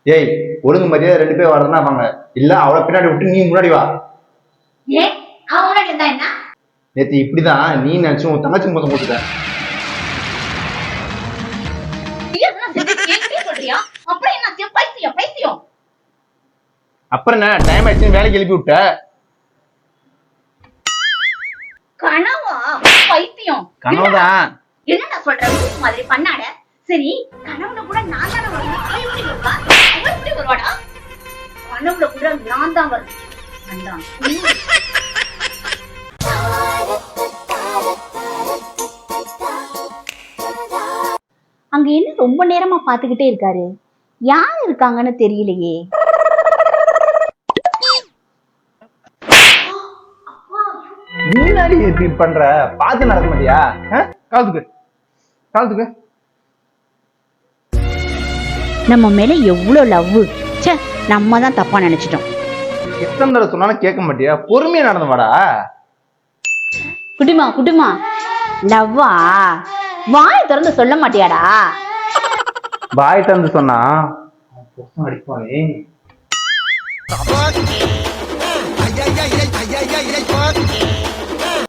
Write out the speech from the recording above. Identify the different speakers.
Speaker 1: ஏய், ஒழுங்கு மரியாதை 2 பேர் வரதுன்னா வாங்க, இல்ல அவளை பின்னாடி விட்டு நீ முன்னாடி வா.
Speaker 2: ஏன் அவன் முன்னாடி இருந்தா என்ன?
Speaker 1: நேத்து இப்படிதான் நீ நினைச்சு உன் தங்கச்சி மொத்தம் போட்டுட்ட.
Speaker 2: சொல்றியா? அப்புறம் என்ன பைத்தியம் பைத்தியம்.
Speaker 1: அப்புறம் என்ன டைம் ஆயிடுச்சுன்னு வேலைக்கு எழுப்பி விட்ட.
Speaker 2: கனவா? பைத்தியம்
Speaker 1: கனவுதான்.
Speaker 2: என்னடா சொல்ற மாதிரி பண்ணாட. சரி, கனவுல கூட நான் தானே வரணும், அவன் எப்படி வருவா? அவன் எப்படி வருவாடா? கனவுல கூட நான் தான் வரணும்.
Speaker 3: அங்க என்ன ரொம்ப நேரமா பாத்துக்கிட்டே இருக்காரு? யார் இருக்காங்கன்னு தெரியலையே.
Speaker 1: முன்னாடி இப்படி பண்ற, பார்த்து நடக்க மாட்டியா? காலத்துக்கு காலத்துக்கு
Speaker 3: நம்ம மேல எவ்வளவு லவ். ச்சே, நம்ம தான் தப்பா நினைச்சிட்டோம்.
Speaker 1: எத்தனை தடவை சொன்னாலும் கேட்க மாட்டியா? பொறுமையா நடந்து வாடா.
Speaker 3: குட்டிமா குட்டிமா, லவ்வா? வாய் திறந்து சொல்ல மாட்டியாடா?
Speaker 1: பாய் தந்து சொன்னா அடிப்பானே.